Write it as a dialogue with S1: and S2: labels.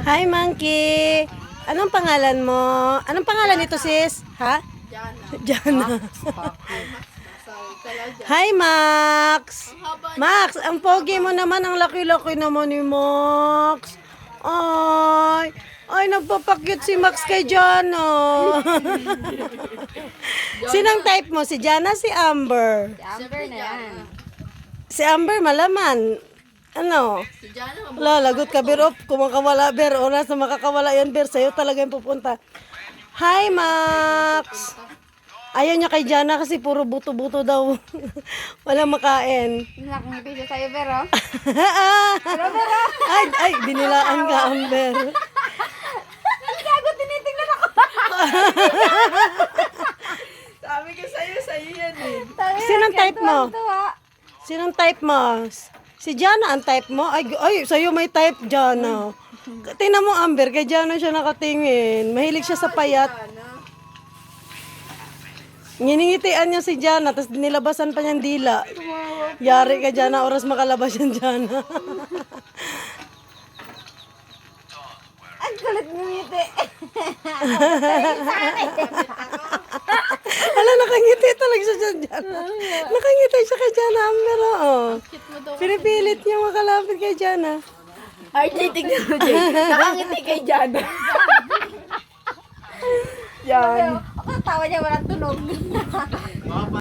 S1: Hi, Monkey. Anong pangalan mo? Anong pangalan nito, sis? Ha? Jana. Hi, Max. Max, ang pogi mo naman. Ang laki-laki naman ni Max. Ay, nagpapakyut si Max kay Jana. Sinang type mo? Si Jana, si Amber?
S2: Amber na yan.
S1: Si Amber, malaman. Ano? Wala, lagot ka, Ber. Kumakawala, Ber. Oras na makakawala yan, Ber. Sa'yo talaga yung pupunta. Hi, Max. Ayaw niya kay Jana kasi puro buto-buto daw. Walang makain.
S2: Nakangiti siya sa'yo, pero.
S1: Ay, dinilaan ka, Amber.
S2: Gago, tinitingnan ako.
S3: Sabi ko sa'yo yan eh.
S1: Sinong type mo? Sinong type mo? Si Jana ang type mo? Ay, sa'yo may type, Jana. Tingnan mo, Amber, kay Jana siya nakatingin. Mahilig siya sa payat. Nginingitian niya si Jana, tapos nilabasan pa niyang dila. Yari ka, Jana, oras makalabas yan, Jana.
S2: Ang kulit ng ngiti.
S1: Hala, nakangiti talaga siya dyan, Jana. Nakangiti siya kay Jana, Amber, oo. Pinipilit niya makalapit kay Jana.
S2: RJ, tignan mo, Jay. Nakangiti kay Jana. Yan. Ako tawa niya, walang tunog.